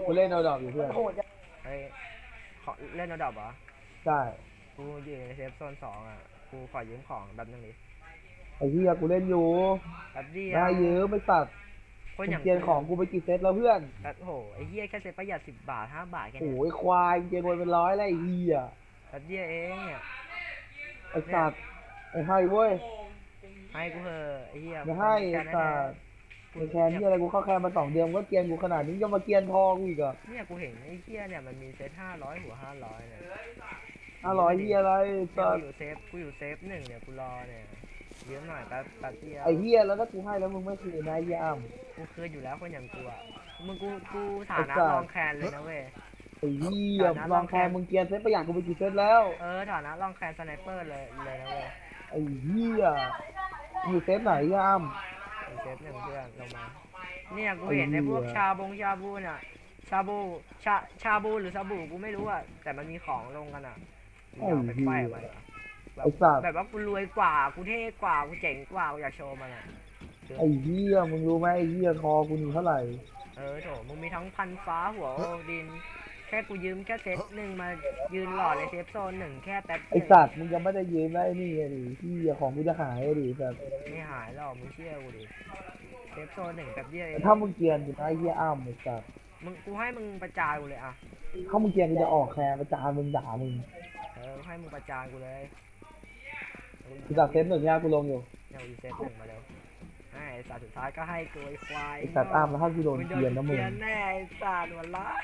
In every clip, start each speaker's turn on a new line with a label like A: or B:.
A: กูเล่นเอาดอกอยู่เพื่อน
B: เฮ้ยขอเล่นระดับเหรอ
A: ใช่
B: กูอยู่ในเซฟโซน2อ่ะกูขอยืมของแบบนึงดิ
A: ไอ้เหี้ยกูเล่นอยู่
B: แบบเดีย
A: ได้
B: ว
A: ยืมไม่ตัด
B: คนอย่าง
A: มึงเกียนของกูไปกี่เซตแล้วเพื่อน
B: แบบโหไอ้เหี้ยแค่เซฟประหยัด10 บาท5 บาทแค่
A: โอ้
B: นี้
A: ยควายเกียนวนเป็นร้อยแล้วไอ้เหี้ย
B: แบบเดียวเองเนี่ย
A: ไอ้สัตว์ไอ้ให้เว้ย
B: ให้กูเถอะไอ้เหี้ย
A: ไม่ให้ไอ้
B: แค่นั้นแหละ
A: สัตว์ไอ้แคนที่อะไรกูเข้าแคนมา2 เดือนก็เกียนกูขนาดนี้ยังมาเกียนทองอีกอ่ะ
B: เนี่ยกูเห็นไอ้เหี้ยเนี่ยมันมีเซต500หัว500เนี่ย
A: 500เหี้ยอะไรสัตว์
B: กูอยู่เซฟ1เนี่ยกูรอเนี่ยยืมหน่อยแป๊บเดียว
A: ไอ้เหี้ยแล้วถ้ากูให้แล้วมึงไม่คืนนะไอ้เหี้ยอ้ำ
B: กูคืนอยู่แล้วคนอย่างกูอ่ะมึงกูฐานะรองแคนเลยนะเว้ย
A: ไอ้เหี้ยลองแคนมึงเกียนเซตประหยัดกูไปกี่เซตแล้ว
B: ฐานะรองแคนสไนเปอร์เลยนะเว้ย
A: ไอ้เหี้ยอยู่เซตไหนไอ้อ้ำ
B: เซฟ1เพื่อนลงมาเนี่ยกูเห็นในพวกชาบูเนี่ยชาบูชาบูหรือซาบูกูไม่รู้อ่ะแต่มันมีของลงกันอ่ะอยากไปไฟมันแบบว่ากูรวยกว่ากูเท่กว่ากูเจ๋งกว่ากูอยากโชว์มันอ่ะ
A: ไอ้เหี้ยมึงรู้ไหมไอ้เหี้ยคอกูนี่เท่าไหร่
B: โถมึงมีทั้งพันฟ้าหัวโอดินแค่กูยืมแค่เซต1มายืนหล่อในเซฟโซน1แค่แป๊บ
A: ไอ้
B: เดียว
A: สัตว์มึงยังไม่ได้ยืมได้นี่ไงดิที่ของกูจะหายดิแบบ
B: ไม่หายหรอกมึงเชื่อกูดิเซฟโซน1แป๊บเดียวเอง
A: ถ้ามึงเกรียนอยู่นะไอ้เหี้ยอ้ำไอ้สัตว์
B: กูให้มึงประจานกูเลยอ่ะ
A: ถ้ามึงเกรียนกูจะออกแคร์ประจานมึงด่ามึง
B: ให้มึงประจานกูเลย
A: กูจากเซต1เนี่ยกูลงอยู่
B: เนี่ยกูเซฟ1มาเร็วไอ้สัตว์สุดท้ายก็ให้กูไอ้ควาย
A: ไอ้สัตว์อ้ำแล้วถ้ากูโดนเกรียนนะมึง
B: แน่ไอ้สัตว์วันละ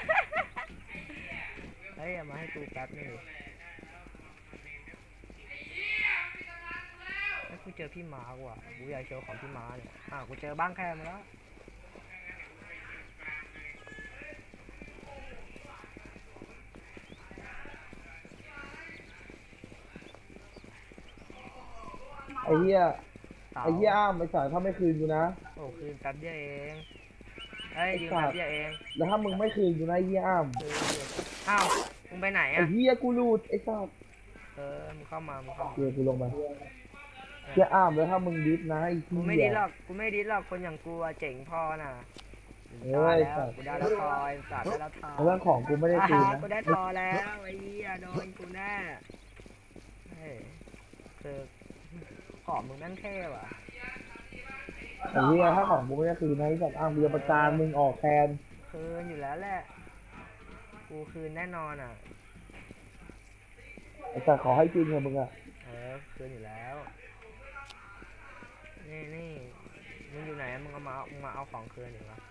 B: เฮ้ยมาให้กูแป๊บนึงให้กูเจอพี่ม้าว่ะกูอยากโชว์ของพี่ม้าเนี่ยกูเจอบ้างแค่มาแล้ว
A: ไอ้เหี้ยอ้ำไอ้สัตว์ถ้าไม่คืนกูนะ
B: โอ้คืนแป๊บเดียวเองยืมแป๊บเดียวเอง
A: แล้วถ้ามึงไม่คืนกูนะไอ้เหี้ยอ้ำ
B: มึงไปไหน
A: ไอ้
B: อ่ะ
A: เหี้ยกูรูดไอ้สัตว์
B: มึงเข้ามา
A: เกรียนกูลงมาเหี้ยอ้ำแล้วถ้ามึงดิสนะไอ้เหี้ย
B: กูไม่ดิสหรอกคนอย่างกูเจ๋งพอน่ะได้แล้วกูได้แล้วทอยสัตว์ได้แล้วทอย
A: เรื่องของกูไม่ได้คืนนะ
B: กูได้ทอแล้วไอ้เหี้ยโดนกูแน่คือของมึงแม่งเท่ว่ะ
A: ไอ้เหี้ยถ้าของกูไม่ได้คืนนะไอ้สัตว์อ้ำกูจะประจานมึงออกแคน
B: คืนอยู่แล้วแหละกูคืนแน่นอนอ่ะ
A: ไอ้สัตว์ขอให้จริงเถอะมึงอะ
B: คืนอยู่แล้วนี่มึงอยู่ไหนมึงมาเอาของคืนอยู่วะ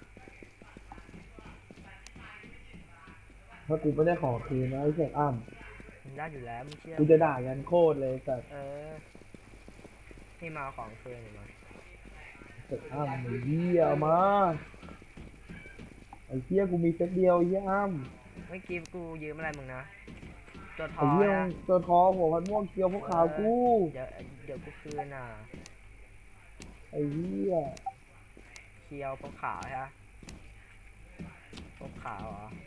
A: ถ้ากูไม่ได้ขอคืนนะไอ้เจ้าอ้ำ
B: มึงได้อยู่แล้วมึงเชื่อ
A: กูจะด่ากันโคตรเลยสัตว์
B: นี่มาเอาของคืนอยู่มั้ย
A: เจ้าอ้ำไอ้เหี้ยมาไอ้เหี้ยกูมีเซตเดียวไอ้เหี้ยอ้ำ
B: เมื่อกี้กูยืมอะไรมึงนะตัวทอ
A: ไอ้เหี้ย
B: นะ
A: ตัวทอหัวพันม่วงเคียวพวกขาวกู
B: เดี๋ยวกูคืน
A: ไอ้เหี้ย
B: เคียวพวกขาวใช่ไหมพวกขาวเหรอ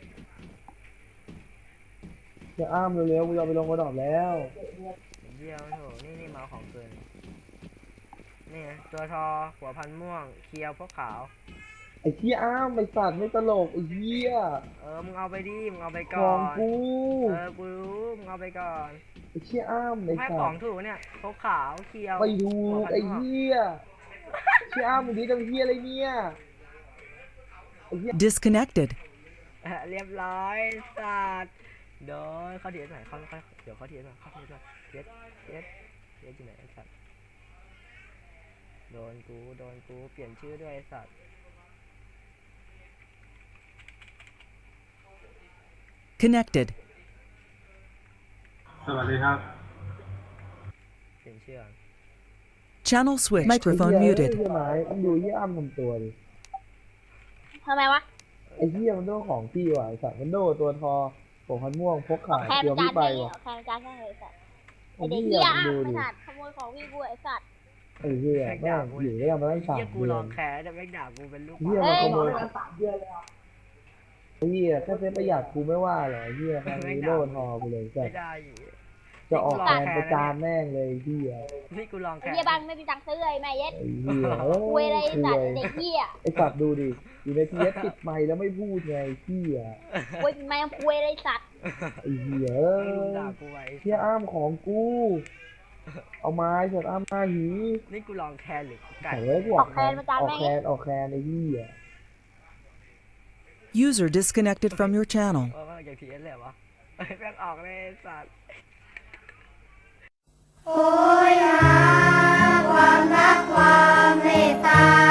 A: เจ้าอ้ำเร็วๆกูจะไปลงกระดอบแล้ว
B: เดียวโถนี่มาของคืนนี่ตัวทอหัวพันม่วงเคียวพวกขาว
A: ไอ้เหี้ยอ้ำไอ้สัตว์ไม่ตลกไอ้เหี้ย
B: มึงเอาไปดิมึงเอาไปก่
A: อนของกู
B: กูรู้มึงเอาไปก่อน
A: ไอ้เหี้ยอ้ำไอ้สัตว์
B: ให้ของถูกเนี่ยพวกขาวเคียว
A: ไปดูไอ้เหี้ยเชี่ยอ้ำมึงดีจังเหี้ยอะไรเนี่ย
C: Disconnected
B: เรียบร้อยสัตว์โดนเขาเทียนหน่อยเดี๋ยวเขาเทียนหน่อยเทียนอยู่ไหนสัตว์โดนกูเปลี่ยนชื่อด้วยสัตว์
C: Connected
A: สวัสดีครับ
B: เปลี่ยนชื่อ
C: Channel switched Microphone muted
A: ใช่ไหมมึงดูเหี้ยอ้ำทำตัวดิ
D: ทำไมวะ
A: ไอ้เหี้ยมันโดนของพี่ว่ะไอ้สัตว์มันโดนตัวทอหัวพันม่วงพกขาเดียวพี่ไปว่ะ
D: แค่จานแค่เลยสัตว์ไอเด็กเหี้ยอ้ำไอ้สัตว์ขโมยของพี่กูไอ้สัตว์
A: ไอ้เหี้ยแม่งอยู่ได้มาตั้ง3 เดือน
B: กูลองแคร์แต่แม่งด่ากูเป็นลูก
A: เหี้ยมันขโมยไอ้เหี้ยแค่เซ็ตประหยัดกูไม่ว่าหรอไอ้เหี้ยแม่งโดนทอกูเลย
B: ไม่ได้อยู่
A: จะออกแทนประจานแม่งเลยพี่อะ
B: นี่กูลอง
D: ไอ้
B: แข่ง
D: เหี้ยบ้านไม่มีตังค์ซื้อไอ้แม่เย็ด
A: ไอ้เหี้ย
D: คุยอะไรไอ้สัตว์เด็กเหี้ย
A: ไอ้สัตว์ดูดิอยู่ในทีเอสปิดไมค์แล้วไม่พูดไงพี่อะ
D: คุยแม่งคุยอะไรไอ้สัตว์
A: ไอ้เหี้ย
B: ลุงด่ากูไว้
A: เหี้ยอ้ามของกู เอาไม้เถอะอ้ามหน้าหี
B: นี่กูลองแคนหรือกูไก่
A: ไอ้เว้ยกูออกแคนออกแคนไอ้เหี้ย
C: User disconnected from your channel.
B: ว่าอย่างทีเอสเลยวะแม่งออกเลยไอ้สัตว์
E: โหยหาความรักความเมตตา